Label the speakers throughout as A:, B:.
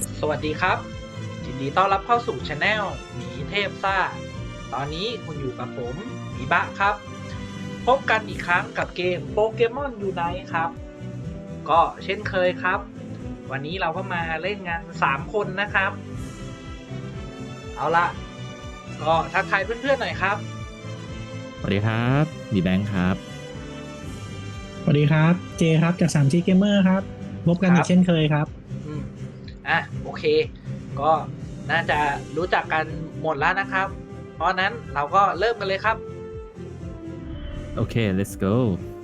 A: สวัสดีครับยินดีต้อนรับเข้าสู่ช anel หมีเทพซ่าตอนนี้คุณอยู่กับผมหมีบะครับพบกันอีกครั้งกับเกมโปเกมอนยูไนท์ครับก็เช่นเคยครับวันนี้เราก็มาเล่นงาน3คนนะครับเอาละก็ทักทายเพื่อนๆหน่อยครับ
B: สวัสดีครับมีแบงค์ครับ
C: สวัสดีครับเจครับจาก3G Gamer ครับพบกันอีกเช่นเคยครับ
A: โอเคก็น่าจะรู้จักกันหมดแล้วนะครับเพราะนั้นเราก็เริ่มกันเลยครับ
B: โอเค let's go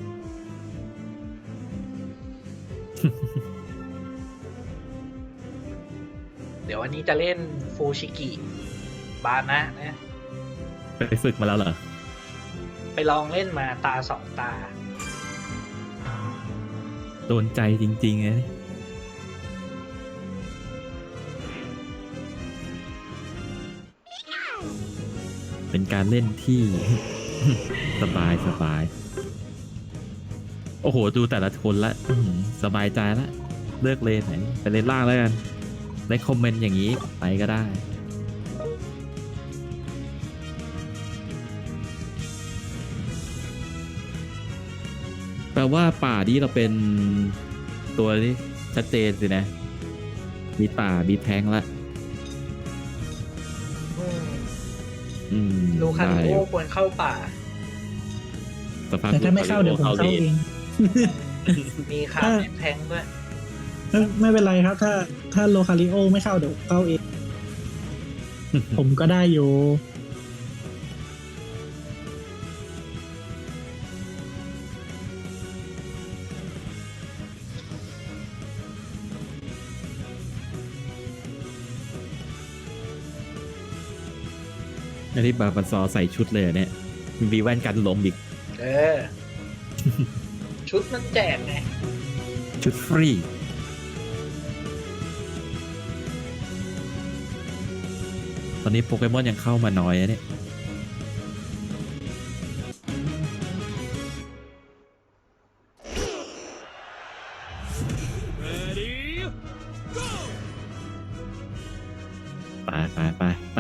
A: เดี๋ยววันนี้จะเล่นฟูชิกิบานะนะ
B: ไปฝึกมาแล้วเหรอ
A: ไปลองเล่นมาตา2 ตา
B: โดนใจจริงๆเลยเป็นการเล่นที่ สบายโอ้โหดูแต่ละคนละสบายใจละเลือกเลนไหนไปเลนล่างแล้วกันในคอมเมนต์อย่างนี้ไปก็ได้แปลว่าป่านี้เราเป็นตัวที่ชัดเจนสินะมีป่ามีแทงละ
A: ลูคันโก้ควรเข้าป่า
C: แต่ถ้าไม่เข้าเดี๋ยวผมเข้าเอง
A: มีคาร์แทงด้วย
C: ไม่เป็นไรครับถ้าโลคาริโอไม่เข้าเดี๋ยวเข้าเอง ผมก็ได้อยู่
B: อันนี้บาบันซอใส่ชุดเลยเนี่ยมีแว่นกันลมอีก
A: ชุดมันแจกไง
B: ชุดฟรีตอนนี้โปเกมอนยังเข้ามาน้อยนะเนี่ยไป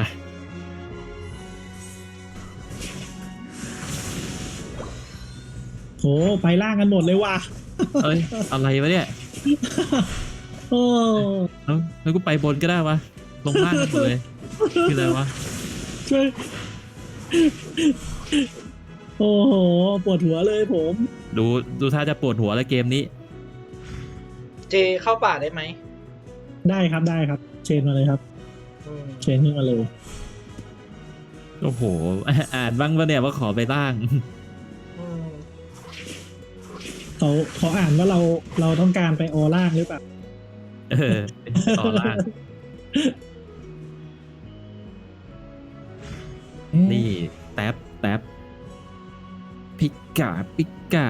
C: โหไปล่างกันหมดเลยว่ะ
B: เอ้ยอะไรวะเนี่ย
C: โอ้
B: แล้วกูไปบนก็ได้วะลงล่างกันหมดเลยคืออะไรวะ
C: ช่วยโอ้โหปวดหัวเลยผม
B: ดูท่าจะปวดหัวแล้วเกมนี้
A: เจเข้าป่าได้ไหม
C: ได้ครับเชนมาเลยครับเชนขึ้นมาเลย
B: โอ้โหอ่านบ้างปะเนี่ยว่าขอไปล่าง
C: เขาอ่านว่าเราต้องการไปออล่างหรือเปล่า
B: ต่อล่างนี่แท็บปิกา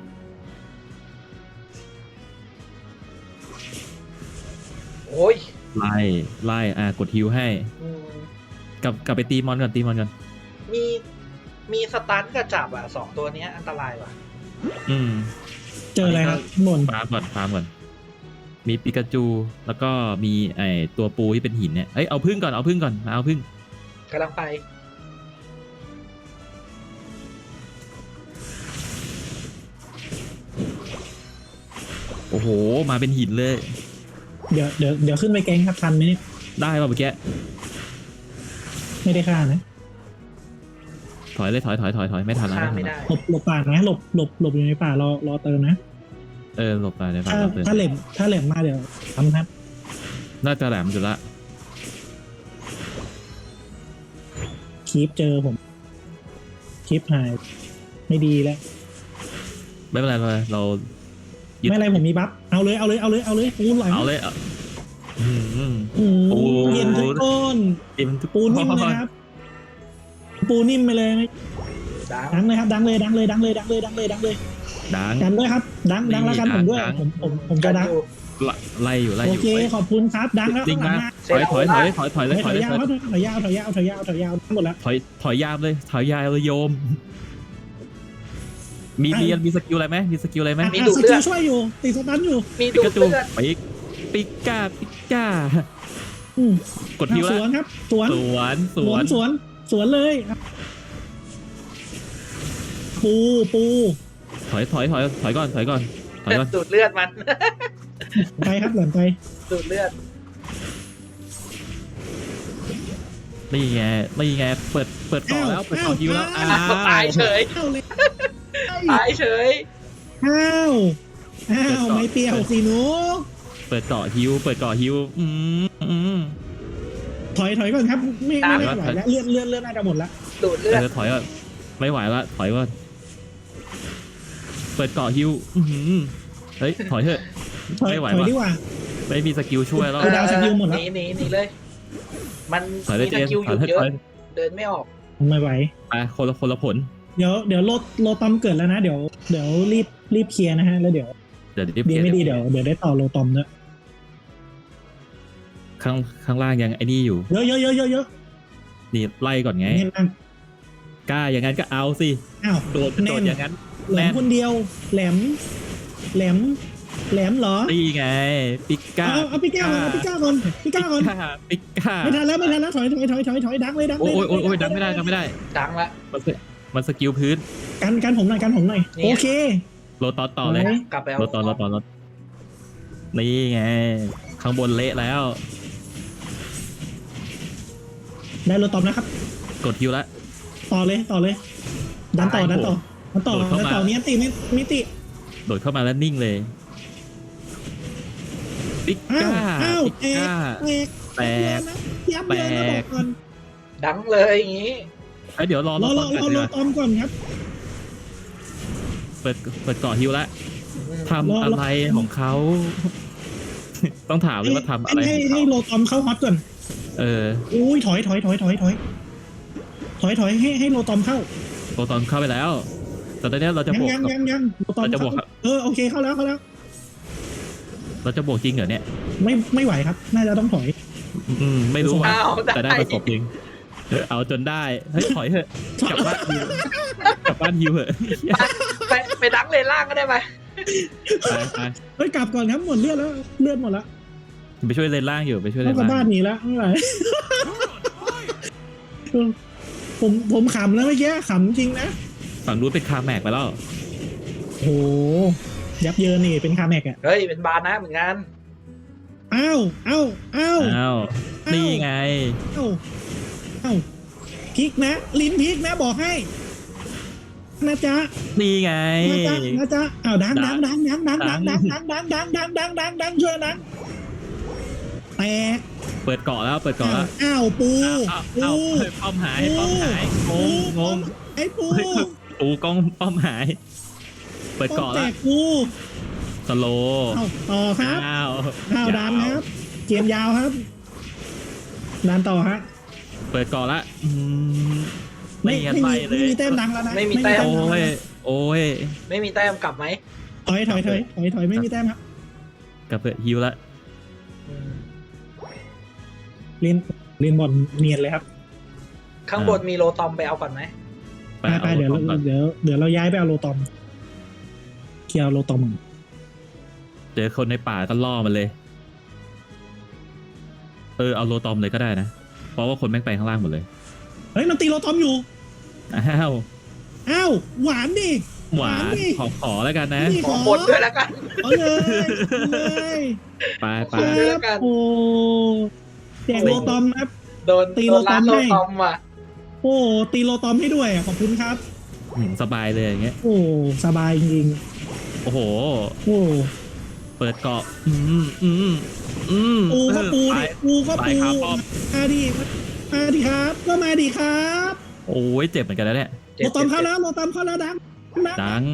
A: โอ้ย
B: ไล่กดฮิวให้กลับไปตีมอนก่อน
A: มีสตันกับจับ2 ตัวนี้อันตรายว่ะ
C: เจออะไรครับหม่น
B: ฟาร์มก่อนมีปิกาจูแล้วก็มีตัวปูที่เป็นหินเนี่ยเอาพึ่งก่อนเอาพึ่ง
A: กำลังไป
B: โอ้โหมาเป็นหินเลย
C: เดี๋ยวขึ้นไปแก๊งครับทันไหมเนี่ย
B: ได้ป่ะเมื่อกี้
C: ไม่ได้ฆ่านะ
B: ถอยไม่ทันแล้ว
A: ไม่ได้
C: หลบป่านะหลบอยู่ในป่ารอเติมนะ
B: หลบไปในป่า
C: ถ้าแหลมมาเดี๋ยวทำครับ
B: น่าจะแหลมอยู่ละ
C: คีปเจอผมคีปหายไม่ดีแล้ว
B: ไม่เป็นไรเรา
C: ไม่อะไรผมมีบัฟเอาเลยปูนไหล
B: เอาเลย
C: เย็นทุกคนปูนิ่มนะครับปูนิ่มไปเลยดังเลยครับดังเลยดังด้วยครับดังแล้วกันผมด้วยผมจะดัง
B: ไล่อยู่
C: โอเคขอบคุณครับดังแล้ว
B: จริงนะถอยเลย
C: ถอยยาวหมดแล้ว
B: ถอยยาวเลยโยมมีสกิลอะไรไหม
A: มีดูดเลือด
C: ช่วยอยู่ติดสตันอยู่
A: มีดูดเลือด
B: ปิก้าปิก้า
C: อืม
B: กดฮิว
C: ส
B: แล้ว
C: วนครับสวน
B: สวนสวน
C: สวนเลยปูปู
B: ถอยก่อนถอยก่อน
A: ดูดเลือดมัน
C: ไปครับหลังไป
A: ดูดเลือด
B: นี่ไงเปิดต่อแล้วเปิดต่อฮิวแล้วอ้าว
A: ตายเฉย
C: อ้าวเลย
A: ตายเฉย
C: อ้าวไม่เปรี้ยวสิหนู
B: เปิดเกาะฮิว
C: ถอยก่อนครับไม่ไหวแล้วเลือดน่าจะหมดละ
A: ดูดเลือด
B: ถอยก่อนไม่ไหวละถอยก่อนเปิดเกาะฮิวเฮ้ยถอยเถอะ
C: ถอย
B: ไม่ไหว
C: ดีกว่า
B: ไม่มีสกิลช่วยแล้ว
C: ดาวสกิลหมดแล้ว
A: หนีเลย มัน
B: ถอยได้
A: มี
B: เจ
A: ส
B: น
A: กิลอ
B: ถอย
A: ยู่
B: เถอะ
A: เย
B: ถ
A: อะ
B: อย
A: เดินไม่ออก
C: ไม่ไหว
B: อ่ะคนละผล
C: เดี๋ยวโลตอมเกิดแล้วนะเดี๋ยวรีบเคลียร์นะฮะแล้วเดี๋ยว
B: เดี๋ยว
C: ดีไม่ดีเดี๋ยวได้ต่อโลตอมด้วย
B: ข้างล่างยังไอ้นี่อยู่
C: เยอะ
B: นี่ไล่ก่อนไง
C: เห็นนั่ง
B: กล้าอย่างนั้นก็เอาสิ
C: อ้าว
B: โดดอย่างนั้น
C: แหลมคนเดียวแหลมเหรอ
B: นี่ไงปิก้า
C: เอาพี่ก้าก่อนปิก้าก่อน
B: ปิก้า
C: ไม่ทันแล้วถอยดังเลย
B: โอ้ยดังไม่ได้
A: ดังละ
B: มันสกิลพื้น
C: กันผมหน่อย
A: นี่
C: โอเค
B: โลตอนต่อเลย
A: กลับไปเอา
B: รถนี่ไง ข้างบนเละแล้ว
C: ได้โลตอมนะครับ
B: กดฮิวแล้ว
C: ต่อเลยดันต่อมีอันติมิติ
B: โดดเข้ามาแล้วนิ่งเลยปิก้า
C: อ้าว
B: ปิก้า แตก
C: ยับเยินนะบอกก่อน
A: ดังเลยอย่างงี้
B: เดี๋ยวรอ
C: รอ
B: ตอน
C: โลตอมก่อนครับ
B: เปิดเกาะฮิวแล้วทำอะไรของเขา ต้องถามเลยว่าทำอะไรของ
C: ให้
B: เขา
C: โลตอมเข้าฮอตก่อน อุ้ยถอยให้โลตอมเข้า
B: โลตอนเข้าไปแล้ว แต่ตอนนี้เราจะบวก
C: ยังโลตอม
B: เราจะบวก
C: โอเคเข้าแล้ว
B: เราจะบวกจริงเหรอเนี่ย
C: ไม่ไหวครับ น่าจะต้องถอย
B: ไม่รู้ว่า
A: อ้าว
B: แต่ได้ประสบจริงเอาจนได้เฮ้ยถอยเถอะกลับบ้านฮิวเถอะ
A: ไปดังเลนล่างก็ได้ไหม
B: ไป
C: เฮ้ยกลับก่อนครับหมดเลือดแล้วหมดแล้ว
B: ไปช่วยเลนล่างอยู่ไปช่วยเล
C: ต้อน งกลับ
B: ล่า
C: บ้าน
B: ง
C: หนีแล้วไม่ไหวผมขำแล้วเมื่อกี้ขำจริงนะ
B: ฝั่งนู้นเป็นคาแม็กไปแล้ว
C: โหยับเยินนี่เป็นคาแม็กอะ
A: เฮ้ยเป็นบาร์นะเหมือนกัน
C: อ้าว
B: นี่ไง
C: อ้าวพริกนะลิ้นพริกนะบอกให้นะจ๊ะ
B: นี่ไง
C: นะจ๊ะอ้าวดังช่วยดังแตก
B: เปิดเกาะแล้ว
C: อ้าวปู
B: ป้อมหายงง
C: ไอ้ปู
B: ปูกล้องป้อมหาย เปิดเกาะ
C: แต
B: แล้ว
C: กปู
B: สโล
C: ต่อครับ
B: อ้าว
C: ดันครับเกมยาวครับดันต่อฮะ
B: เปิดเกาะละ
C: ไม่
B: งั้นไม่เลย
C: มีแต้มดังแล้วนะ
A: ไม่มีแต้ม
B: โอ้ย
A: ไม่มีแต้มกลับไหม
C: ถอยไม่มีแต้มครับ
B: กลับเปิดฮิวละ
C: เล่นบอลเนียนเลยครับ
A: ข้างบนมีโลตอมไปเอาก่อนไหม
C: ไปเดี๋ยวเราย้ายไปเอาโลตอมเคลียร์โลตอม
B: เจอคนในป่าก็ล่อมันเลยเอาโลตอมเลยก็ได้นะเพราะว่าคนแม่งไปข้างล่างหมดเลย
C: เฮ้ยมันตีโลตอมอยู่
B: อ้าว
C: หวานดิ
B: หวานขอแล้วกันนะ
A: ขอบนด้วยแล้วกัน
C: เอาเลย
B: ไป
A: ด้วยแล้วกัน
C: โอ้แจกโลตอมครับ
A: โดน
C: ตีโลตอม
A: โล
C: ให้
A: ตอมว่ะ
C: โอ้ตีโลตอมให้ด้วยขอบคุณครับ
B: สบายเลยอย่างเงี้ย
C: โอ้สบายจริง
B: โอ้โห
C: โอ้
B: เปิดเกาะ
C: ปูก็ปูดิปูก็
B: ไป
C: ปู
B: ครับป้อม
C: มาดิครับก็มาดิครับ
B: โอ้ยเจ็บเหมือนกันแล้วเนี่ย
C: โลตอมเข้าแล้วดัง
B: ดัง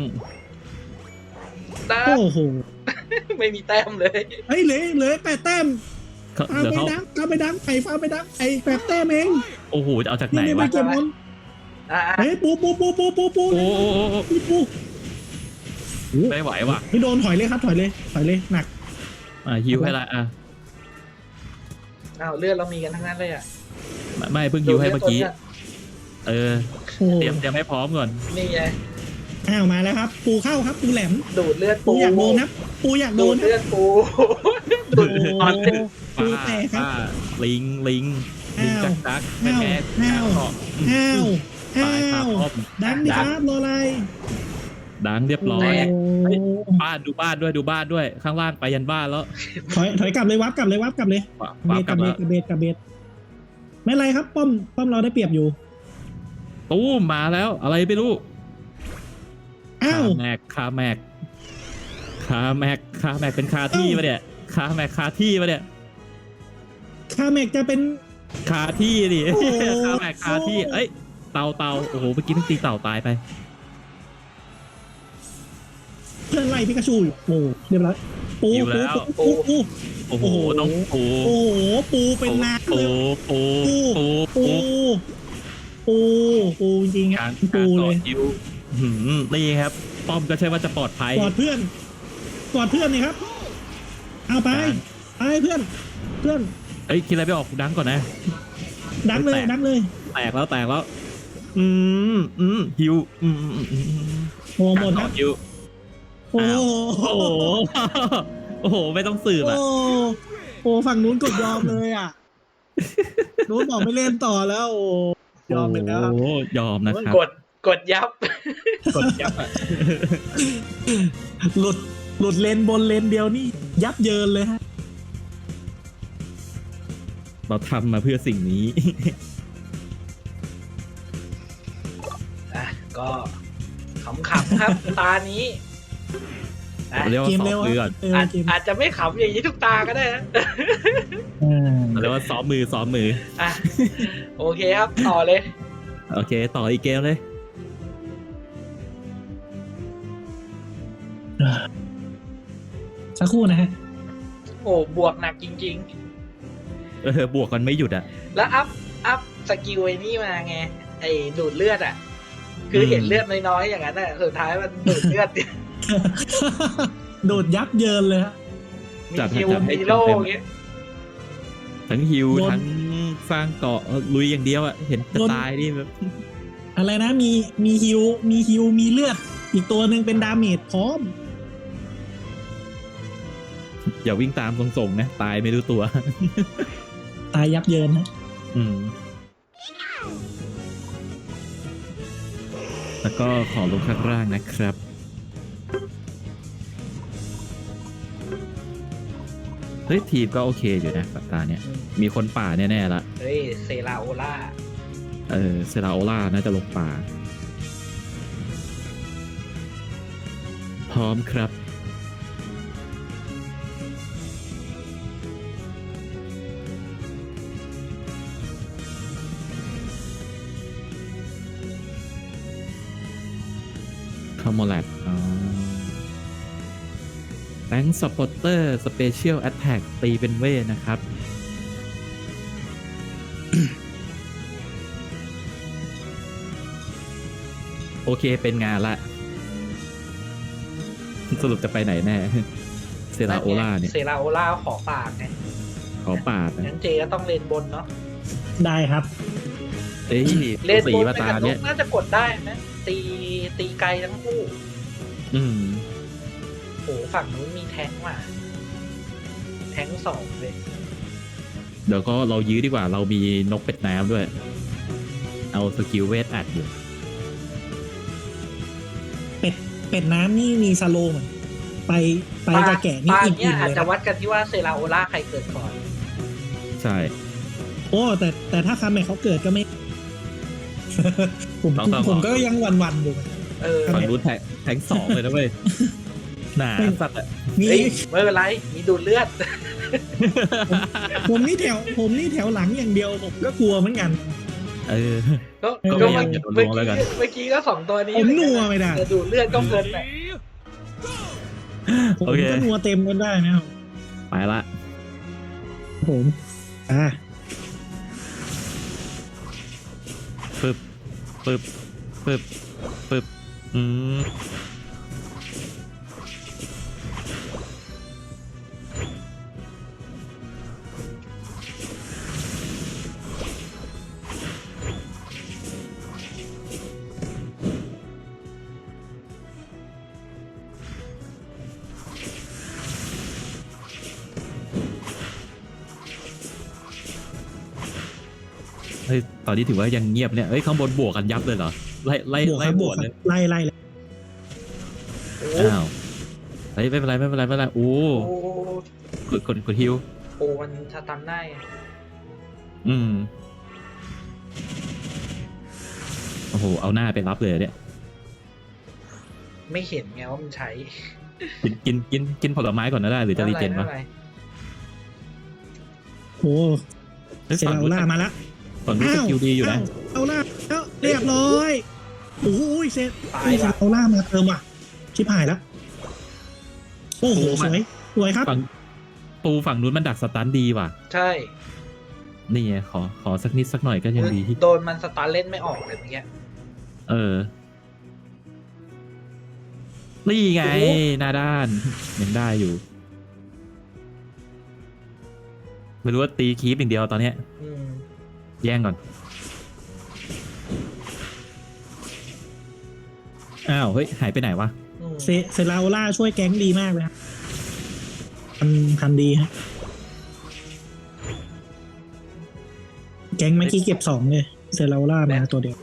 C: โอ้โห
A: ไม่มีแต้มเลย
C: เฮ้ยเหลือ8 แต้ม เอา
B: เดี๋ยว
C: ไป
B: เขา
C: ดังเอาไปดังไอ้ฟ้าไปดังไอ้8 แต้มเอง
B: โอ้โหจะเอาจากไหน
C: นี่ไม่
B: วะ
C: เก็บบอล
A: อ่ะ
C: เฮ้ยปู
B: โอ้ไม่ไหวว่ะ
C: นี่โดนถอยเลยครับถอยเลยหนัก
B: ฮิวให้ละ
A: อ้าวเลือดเรามีกันทั้งนั้นเลยอ่ะ
B: ไม่เพิ่งฮิวให้เมื่อกี้
C: โอ้
B: เตรียมให้พร้อมก่อน
A: นี่ไง
C: มาแล้วครับ ปูเข้าครับปูแหลม
A: ดูดเลือด
C: ปูอยากโดนนะปูอยากโด
A: ดู
C: น
A: ด
C: นะ
A: เลือดปูสุด
C: โอ้
A: ตอน
C: ปูแตกครับ
B: ป้าลิงจักแม่แพ้
C: ห้าว
B: เกาะ
C: ห้าว
B: ตายคาป้อม
C: ดังดิครับรออะไร
B: ดังเรียบร้อย บ้านดูบ้านด้วยข้างล่างไปยันบ้านแล้ว
C: ถอยกลับเลยวับกลับเลย
B: ว้าว
C: กลับ
B: กลับ
C: เบ
B: แล้
C: ส
B: ว
C: กับเบสไม่เป็นไรครับป้อมเราได้เปรียบอยู่
B: ตู้มมาแล้วอะไรไม่รู้
C: อ้าว
B: คาแม็กเป็นคาที่ปะเนี่ยคาแม็กคาที่ปะเนี่ย
C: คาเมกจะเป็น
B: คาที่ดิ
C: โอ้โห
B: คาแม็กคาที่เอ้ยเต่าโอ้โหเมื่อกี้ต้องตีเต่าตายไป
C: เพื่อนไล่พิกาชูอยู่โอ้เรียบร้อยปู
B: โอ้โหน้องปู
C: โอ้โหปูเป็นน้ำเลย ปูจริงค
B: กา
C: รับ
B: ร
C: ปูเลย
B: ต่อคิวนี่ครับป้อมก็ใช่ว่าจะปลอดภัย
C: กอดเพื่อนนี่ครับเอาไปเพื่อน
B: เอ้ยคิดอะไรไม่ออกดังก่อนนะ
C: ดังเลย
B: แตกแล้วฮิว
C: โอ้หมดครับ
B: ฮิว
C: โอ้
B: โอ้โหไม่ต้องสืบอ่ะ
C: โอ้ฝั่งนู้นกดยอมเลยอ่ะนู้นบอกไม่เล่นต่อแล้วโอ้ยอมไปแล้วครับ
B: โอ้ยอมนะครับ
A: กดยับ
B: กดยับอ่ะ
C: หลุดเลนบนเลนเดียวนี่ยับเยินเลยฮะ
B: เราทำมาเพื่อสิ่งนี้
A: อ่ะก็ขำๆครับ ตานี้นะ
B: เรียกว่า
C: เกม
B: ซ้อ
C: เร็
B: ม
C: ว
B: มือก่อน
C: เกม
A: อาจจะไม่ขำอย่างนี้ทุกตาก็ได้นะ
B: เรียกว่าซ้อมมือ
A: อ่ะโอเคครับต่อเลย
B: โอเคต่ออีกเกมเลย
C: สักครู่นะฮะ
A: โอ้บวกหนักจริง
B: บวกกันไม่หยุดอ่ะ
A: ๆ แล้วอัพสกิลไอ้นี่มาไงไอ้ดูดเลือดอ่ะ คือเห็นเลือดน้อยๆอย่างนั้นอ่ะสุดท้ายมันดูดเลือด
C: โดดยับเยินเลยฮะ
A: มี
B: จัดให้
A: คิว
B: จัดให้
A: มีโล่
B: เต็มๆ
A: อย่างเงี้ย
B: ทั้งฮิว
C: โดน
B: ทั้งสร้างเกาะลุยอย่างเดียวอ่ะเห็นจะ
C: โดน
B: ตายนี่แบบ
C: อะไรนะมีฮิวมีเลือด อีกตัวหนึ่งเป็นดาเมจพร้อม
B: อย่าวิ่งตามส่งๆนะตายไม่รู้ตัว
C: ตายยับเยินฮะ
B: แล้วก็ขอลงข้างล่างนะครับเฮ้ยทีมก็โอเคอยู่นะสัปดาห์เนี้ยมีคนป่าแน่ๆละ
A: เฮ้ยเซราโอล่า
B: เซราโอล่าน่าจะลงป่า พร้อมครับคาโมแลตแบงค์สปอตเตอร์สเปเชียลแอตแทกตีเป็นเวทนะครับ โอเคเป็นงานละ สรุปจะไปไหนแน่ เซราโอล่าเนี่ย
A: เซราโอล่าขอปากไง
B: ขอปาดนะ
A: งั้นเจก็ต้องเลนบนเนาะ
C: ได้ครับ
B: เอ้ย
A: เลน
B: สี
A: บน
B: มา
A: ไป
B: ตา
A: กับน
B: เนี่ย
A: กน่าจะกดได้ไหมตีไกลทั้งคู่
B: อืม
A: โหฝั่งนู้นมีแท้งว่ะแท้งสองเลย
B: เดี๋ยวก็เรายื้อดีกว่าเรามีนกเป็ดน้ำด้วย เอาสกิลเวทอัดอยู่
C: เป็ดน้ำนี่มีสโลว์เหมือนไปกับแก่นี่
A: ปา
C: อิ่
A: เนี่ย
C: มๆ
A: อาจ
C: เลย
A: จะ
C: นะ
A: วัดกันที่ว่าเซราโอล่าใครเกิดก่อน
B: ใช่
C: โอ้แต่ถ้าคาเมกเขาเกิดก็ไม่ ผมก็ยังหวันๆอยู่
A: เออ
B: ฝั่งนู้นแทงสองเลยนะเว้ย หนาสัตว์อ่ะ
C: มี
A: เฮ้ยไม่เป็นไร มีดูดเลือด
C: ผมนี่แถวหลังอย่างเดียวผมก็กลัวเหมือนกัน
B: เออ
A: ก็
B: ก็
A: ก็
B: ไม่
A: เมื่
B: อยากจะลงแล้วกัน
A: เมื่อกี้ก็สองตัวนี้
C: ผมนัวไม่ได้
A: แต่ดูดเลือดก็เกินไป
C: ผม
B: โอเค
C: ก็นัวเต็มกันได้นะครับ
B: ไปละ
C: ผม
B: ปึ๊บเฮ้ยตอนนี้ถือว่ายังเงียบเนี่ยเฮ้ยข้างบนบวกกันยับเลยเหรอไล่ไล่
C: บวก
B: ไล่
C: ครับ
B: บบ ว
C: ว
B: ก
C: กค
B: เล
C: รั
B: ย
C: บไล่เลย
A: โอ้
B: อ้าวเฮ้ยไม่เป็นไรไม่เป็นไรไม่เป็นไรโอ้
A: โอ้
B: กดฮิว
A: โอ้มันสตันได้
B: อืมโอ้โหเอาหน้าไปรับเลยเนี่ย
A: ไม่เห็นไงว่ามันใช้
B: กินผลไม้ก่อนก็ได้หรือจะรีเจน
A: ไม่
B: วะ
A: ป็ไร
C: โอ้
B: ฮ้ย
C: เซราล่ามาละ
B: ฝั่งนู้นสกิลดีอยู่นะ
C: เอาล่าแล้วเรียบร้อยโอ้ยเซ
A: ตาย
C: เซ
A: ว่ะ
C: ราล่ามาเติมว่ะชิบหายแล้วโอ้โหสวยสวยครับ
B: ฝั่งตูฝั่งนู้นมันดักสตันดีว่ะ
A: ใช่
B: นี่ไงขอสักนิดสักหน่อยก็ยังดี
A: โดนมันสตาร์เล่นไม่ออกเลยเมื่อกี้
B: เออ นี่ไง
A: โอ้โห
B: หน้าด้านยังได้อยู่ ไม่รู้ว่าตีคีปอย่างเดียวตอนเนี้ย
A: อืม
B: แย่งก่อน อ้าว เฮ้ย หายไปไหนวะ
A: อืม
C: เซราล่าช่วยแก๊งดีมากเลยครับทำดีฮะแก๊งเมื่อกี้เก็บ2เลยเซราล่ามาตัวเดียว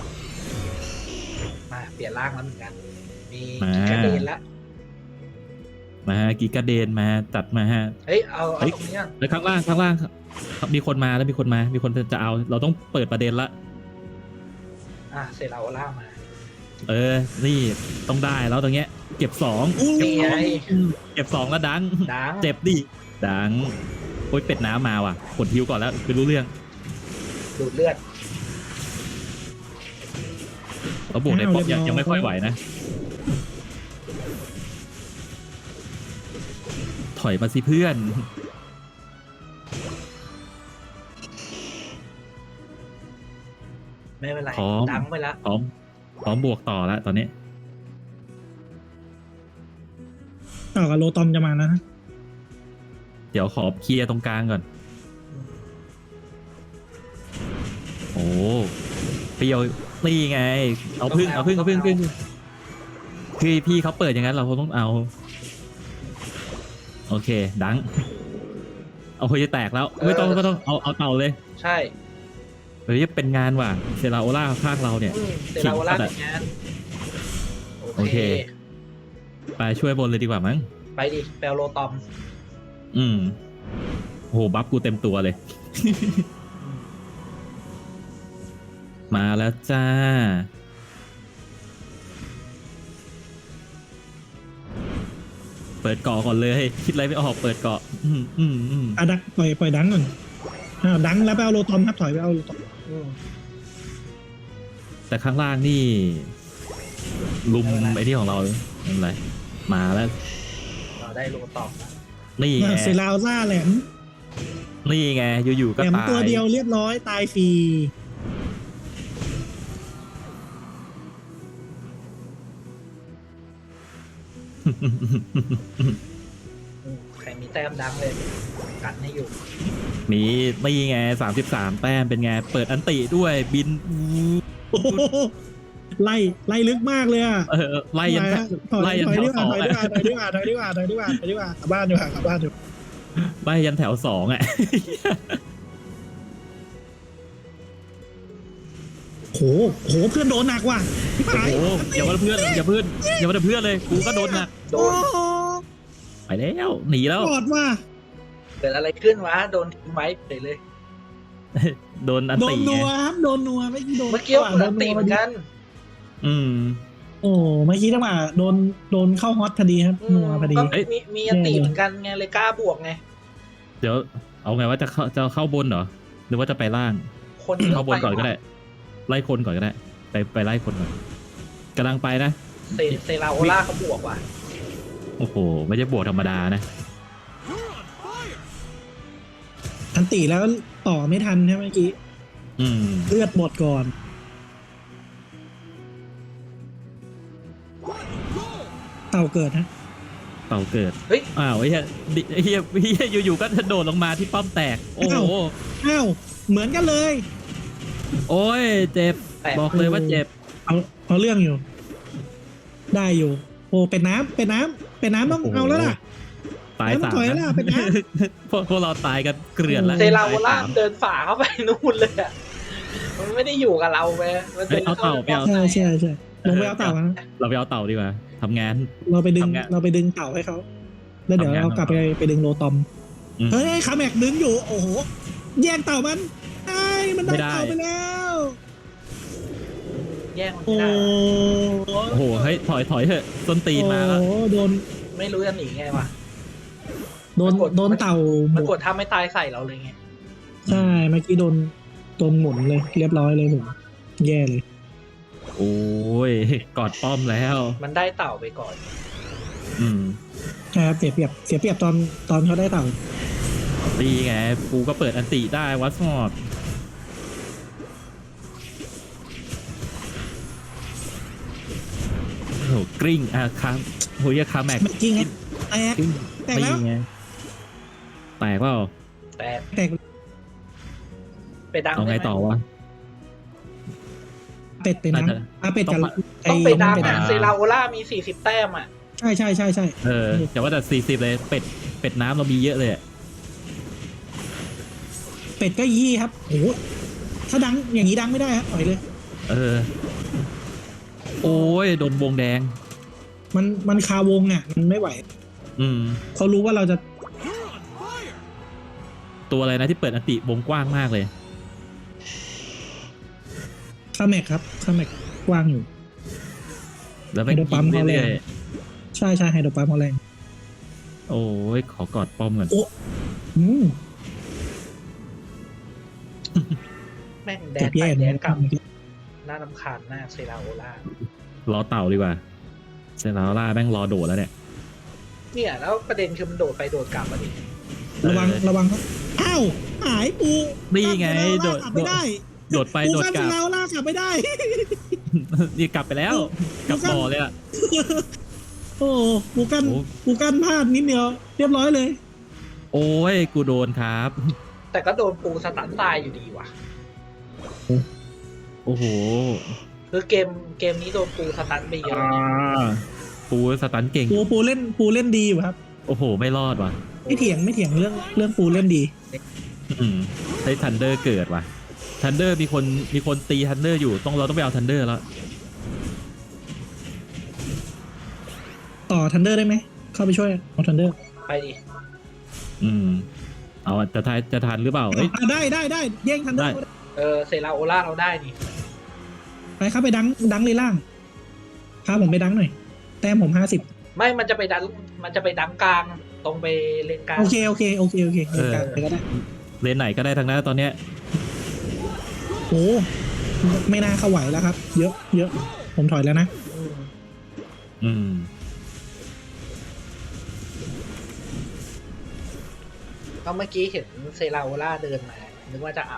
A: มาเปลี่ยนร่างแล้วเหมือนกัน มี
B: มา
A: กิกาเดนละ
B: มากิกาเดนมาจัดมาฮะ
A: เฮ้ยเอา
B: เฮ้ย
A: ตรงนี้ก่อน
B: แล้วข้างล่างมีคนมาแล้วมีคนจะเอา เราต้องเปิดประเด็นละ
A: เซราโอล่ามา
B: เออ นี่ต้องได้แล้วตรงเนี้ย เก็บ2
A: นี่ไง
B: เก็บ2แล้วดัง
A: ดัง
B: เจ็บดิดังโอ้ยเป็ดน้ำมาว่ะกดฮิวก่อนแล้วคือรู้เรื่อง
A: ดูดเลือด
B: แล้วบวกในป๊อปยังไม่ค่อยไหวนะ ถอยมาสิเพื่อน
A: ไม่เป็นไร
B: พร้อม
A: ดังไปละ
B: พร้อมบวกต่อแล้วตอนนี้
C: ต่อกับโลตอมจะมาแล้วนะ
B: เดี๋ยวขอเคลียร์ตรงกลางก่อน โอ้เปรี้ยวนี่ไง เอาพึ่งคือพี่เขาเปิดอย่างนั้นเราต้องเอา โอเค ดัง เอาคุยจะแตกแล้ว ไม่ต้องเอาเต่าเลย
A: ใช่
B: เฮ้ยเป็นงานว่ะเซราโอล่าข้างเราเนี่ย
A: เซราโอล่าเป็นงาน
B: โอเค ไปช่วยบนเลยดีกว่ามั้ง
A: ไปดิแปลโลตอม
B: อืมโหบัฟกูเต็มตัวเลย มาแล้วจ้า เปิดเกาะก่อนเลย คิดอะไรไม่ออกเปิดเกาะ
C: ดักปล่อยดังก่อนดังแล้วไปเอาโลตอมครับถอยไปเอาโลตอม
B: แต่ข้างล่างนี่ ลุมไอ้ที่ของเราอะไรมาแล้ว
A: เราได้โลตอม
B: นี่ไง
C: เซราล่าแหลม
B: นี่ไงอยู่ๆ
C: แห
B: ก็
C: ลม
B: ตาย
C: ตัวเดียวเรียบร้อยตายฟรี
A: ใครมีแต้มดังเลยกันให้อยู่
B: มีนี่ไง33 แต้มเป็นไง เปิดอันติด้วยบิน
C: โอ้โหไล่ลึกมากเลยอ่ะ
B: ไล่ยัน
C: ถอย
B: ไล่ยัน
C: ถอย
B: แถ
C: ดี
B: ว
C: ก
B: ส
C: ว่า
B: อง
C: ถอยดีกว่าถอยดีกว่าถอยดีกว่าถอยดีกว่าถอยดีกว่ากลับบ้านดีกว่ากลับบ้านดีกว่า
B: ไล่ยันแถว2อ่ะ
C: โหเพื่อนโดนหนักว่ะพี่
B: โอ้
C: ปาย
B: โหอย่าว่าเพื่อนเลยกูก็โดนหนัก
A: โด
C: โอ้
A: น
B: ไปแล้วหนีแล้ว
C: ปอดว่ะ
A: เกิดอะไรขึ้นวะโดนทิ้งไว้ไปเลย
B: โดนอัน
C: โด
B: ติ
C: น
B: ไง
C: นัวครับโดนนัวไม่โดน
A: เมื่อกี้เหมือนตีเหมือนกัน
B: อืม
C: โอ้เมื่อกี้จังหวะโดนเข้าฮอตพอดีครับนัวพอดี
A: ก็
B: เอ้ย
A: มีอันตีเหมือนกันไงเลยกล้าบวกไง
B: เดี๋ยวเอาไงว่าจะเข้าบนเหรอหรือว่าจะไปล่าง
A: คนยะ
B: เข้าบนก่อนก็ได้ ไล่คนก่อนก็ได้ ไปไล่คนก่อนกำลังไปนะ
A: เซราโอล่าเขาบวกว่ะ
B: โอ้โหไม่ใช่บวกธรรมดานะ
C: ทันตีแล้วต่อไม่ทันใช่ไหมเมื่อกี้
B: อืม
C: เลือดหมดก่อนเต่าเกิดนะ
B: เต่าเกิด
A: เฮ้ย
B: อ้าวไอ้เหี้ยอยู่ๆก็โดดลงมาที่ป้อมแตก โอ้โห
C: อ้าวเหมือนกันเลย
B: โอ้ยเจ็บ
A: แปะ
B: บอกเลยว่าเจ็บ
C: เอาเรื่องอยู่ ได้อยู่ โอ้เป็นน้ำต้อง
B: โอ้โห
C: เอาแล้วล่ะ
B: ตาย
C: แล้วมัน
B: 3
C: ถอยแล้วเป็นไง
B: พวกเราตายกันเกลื่อนแล้ว
A: เซราโอล่าเดินฝ่าเข้าไปนู่นเลยอะมันไม่ได้อยู่กับเราไปมันเป็น
B: เอาเต่าไปเอา
C: ใช่ใช่ใช่ลงไปเอาเต่านะ
B: เราไปเอาเต่าดีกว่าทำงาน
C: เราไปดึง
B: ทำไง
C: เราไปดึงเต่าให้เขาแล้วเดี๋ยว
B: ทำงาน
C: เรากลับไปดึงโลตอม
B: อืม
C: เฮ้ยคาแม็กดึงอยู่โอ้โหแย่งเต่ามันไอ้มันได้
B: ไม่ได้
C: เต่าไปแล้ว
A: แย่งมัน
C: โอ้
A: ไม่ได้
B: โอ้โหเฮ้ยถอยเถอะต้นตีนมาแล้ว
C: โอ้โหโดน
A: ไม่รู้จะหนีไงวะ
C: โดน
A: มันกด
C: โดนเต่า
A: มันกดท่าไม่ตายใส่เราเลยไง
C: ใช่เมื่อกี้โดนหมุนเลยเรียบร้อยเลยผมแย่เลย
B: โอ้ยกอดป้อมแล้ว
A: มันได้เต่าไปก่อน
B: อืม
C: นะครับเสียเปรียบตอนเขาได้เต่า
B: ตีไงกูก็เปิดอันติได้วัดสมอดโอ้โหกริ้งครับโหยคาแม็ก
C: เมื่อกี้ไงแตก
B: กริ้ง
C: แตกแล้ว
B: ตีไงแตกเปล่า
A: แต่
C: แตก
A: ไปดัง
B: เอาไงต่อวะ
C: เป็ดไปนะ
B: น่าจะ
C: เป็ดกับ
A: ต้องไปดัง
C: เป็ด
A: อ่ะ
B: อ่า
A: เซราโอล่ามี40 แต้มอ่ะ
C: ใช่
B: เออแต่ว่าแต่40เลยเป็ดน้ำเรามีเยอะเลยอะ
C: เป็ดก็ยี่ครับโอ้โหถ้าดังอย่างนี้ดังไม่ได้ครับปล่อยเลย
B: เออ โอ้ยโดนวงแดง
C: มันคาวงอ่ะมันไม่ไหว
B: อืม
C: เขารู้ว่าเราจะ
B: ตัวอะไรนะที่เปิดอันติวงกว้างมากเลย
C: คาแม็กครับคาแม็กกว้างอยู่
B: แล้วไม่
C: ไฮโดรปั๊
B: กิ
C: ม
B: น
C: เขาแร
B: เรื่
C: ง
B: อย
C: ใช่ไฮโดรปั๊มเขาแรง
B: ๆโอ้ยขอกอดป้อมก่อน
C: โอ้อืม
A: แม่งแด
C: เจ็
A: น
C: บ
A: ไป
C: แย่
A: แด
C: เนี่ย
A: นกลับน่ารำคาญมากเซราโอล่าร
B: อเต่าดีกว่าเซนาร่าแม่งรอโดดแล้วเนี่ย
A: เนี่ยแล้วประเด็นคือมันโดดไปโดดกลับอ่ะดิ
C: ระวัง
B: เออ
C: ระวังครับอ้าวหายปู
B: นี่ไง
C: โด
B: โด
C: ด
B: ด
C: ไม่ได้
B: โดดไป
C: ปู
B: โดด
C: กัน
B: กลับ
C: เราลากกลับไม่ได้
B: นี่กลับไปแล้วกลับบ่อเลยอ่ะ
C: โอ้ปูกัน
B: โอ้
C: ปูกันพลาดนิดเดียวเรียบร้อยเลย
B: โอ้ยกูโดนครับ
A: แต่ก็โดนปูสตันตายอยู่ดีว่ะ
B: โอ้โห
A: คือเกมนี้โดนปูสตันไปเยอะ
B: ปูสตันเก่ง
C: ปูเล่นดีอยู่ครับ
B: โอ้โห ไม่รอดว่ะ
C: ไม่เถียงเรื่องปูเล่นดี
B: ใช้ทันเดอร์เกิดว่ะทันเดอร์มีคนตีทันเดอร์อยู่เราต้องไปเอาทันเดอร์แล้ว
C: ต่อทันเดอร์ได้ไหมเข้าไปช่วยเอาทันเดอร์
A: ไปดิ
B: เอาจะทันหรือเปล่าเอ้ย
C: ได้แย่งทันเดอร์
A: เซราโอล่าเราได้นี่
C: ไปครับไปดังเลยล่างพาผมไปดังหน่อยแต้มผม50
A: ไม่มันจะไปดังกลางตรงไปเลนกลาง
C: โอเคเดินกลางไปก็ได้
B: เลนไหนก็ได้ทั้งนั้นตอนเนี้ย
C: โอ้ไม่น่าเข้าไหวแล้วครับ เยอะผมถอยแล้วนะ
A: อืม ก็เมื่อกี้เห็นเซราโอล่าเดินมานึกว่าจะเอา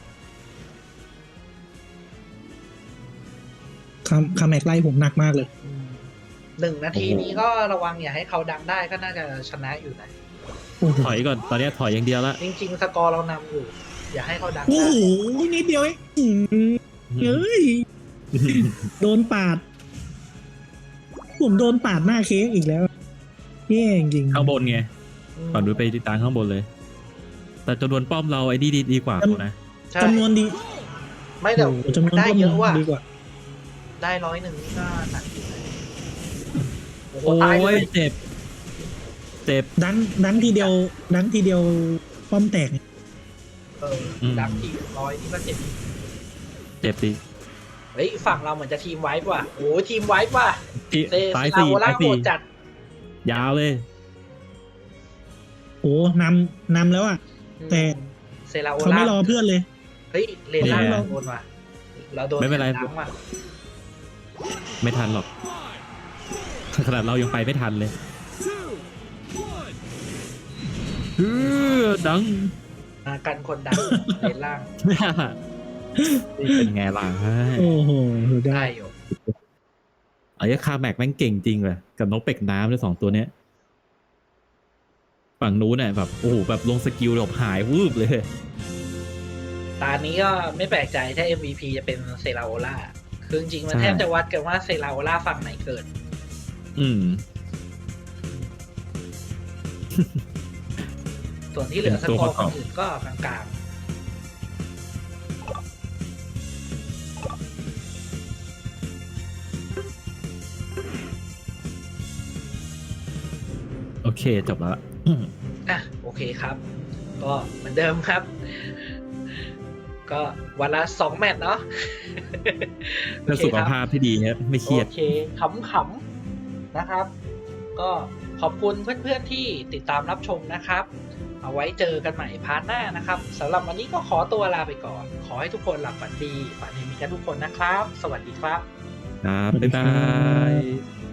C: คาแม็กไล่ผมหนักมากเลย
A: 1 นาทีนี้ก็ระวังอย่าให้เขาดังได้ก็น่าจะชนะอยู่นะ
B: ถอยก่อนตอนเนี้ยถอยอย่างเดียวละ
A: จริงๆสกอร์เรานำอยู่ อย่าให้เขาดัง
C: โอ้
A: ได้
C: โหนิดเดียวเองเฮ้ยโดนปาด ผมโดนปาดหน้าเค้กอีกแล้วแย่จริง
B: ข้างบนไงก่อนดูไปติดตามข้างบนเลย แต่จำนวนป้อมเราไอ้นี่ดีกว่ากูนะ
A: ใช่
C: จำนวนดี
A: ไม่เดี๋ยว
C: โอ้โหจำนวน
A: ได้เยอะว่ะ
C: ดีกว่า
A: ได้100นี่ก็หนักอยู่นะโอ้โห
B: โอ้
A: ตายเลย ย
B: เจ็บ
C: ดังทีเดียวป้อมแตก
A: ดังที100นี่ก็เจ็บ
B: เจ็บดิ
A: เฮ้ยฝั่งเราเหมือนจะทีมไวป์ว่ะโอ้ทีมไวป์ว่ะ
B: ที่
A: เซ
B: ซ้าย
A: รา
B: สี่
A: โอล่า
B: ซ้าย
A: โห
B: สี่
A: ดจัด
B: ยาวเลย
C: โอ้นำแล้วอ่ะ แต่
A: เซราโอ
C: เขา
A: ล่า
C: ไม่รอเพื่อนเลย
A: เฮ้ยเลนล่าง
B: เนี่ย
A: เราโดนว่ะเราโดน
B: ไม่เป็นไร
A: ดังว่ะ
B: ไม่ทันหรอกขนาดเรายังไปไม่ทันเลยดัง
A: มากันคนดังเลนล่าง
B: นี่เป็นไงล่ะ
C: โอ้โหได้
A: ได้อยู่
B: ไอ้คาแม็กแม่งเก่งจริงเลยกับนกเป็กน้ำด้วย2 ตัวเนี้ยฝั่งนู้นเนี่ยแบบโอ้โหแบบลงสกิลแบบหายวืบเลย
A: ตานี้ก็ไม่แปลกใจถ้า MVP จะเป็นเซราโอล่าคือจริงๆมัน
B: ใช่
A: แทบจะวัดกันว่าเซราโอล่าฝั่งไหนเกิด
B: อืม
A: ส่วนที่เหลือส
B: เป็นตัว
A: กอร์
B: ประก
A: ค
B: อบ
A: นอื่นก็กลาง
B: โอเคจบแล้ว
A: โอเคครับ ก็เหมือนเดิมครับ ก็วันละ2 แมตช์เนาะ
B: เพื่อสุขภาพที่ดีครับไม่เครียด
A: โอเคขำๆนะครับ ก็ขอบคุณเพื่อนๆที่ติดตามรับชมนะครับ เอาไว้เจอกันใหม่พาร์ทหน้านะครับสำหรับวันนี้ก็ขอตัวลาไปก่อน ขอให้ทุกคนหลับฝันดีฝันเห็นมีกันทุกคนนะครับ สวัสดีครับ
B: ครับ
C: สวัสดี
B: บ๊าย
C: ครับ
B: า
C: บ
B: ย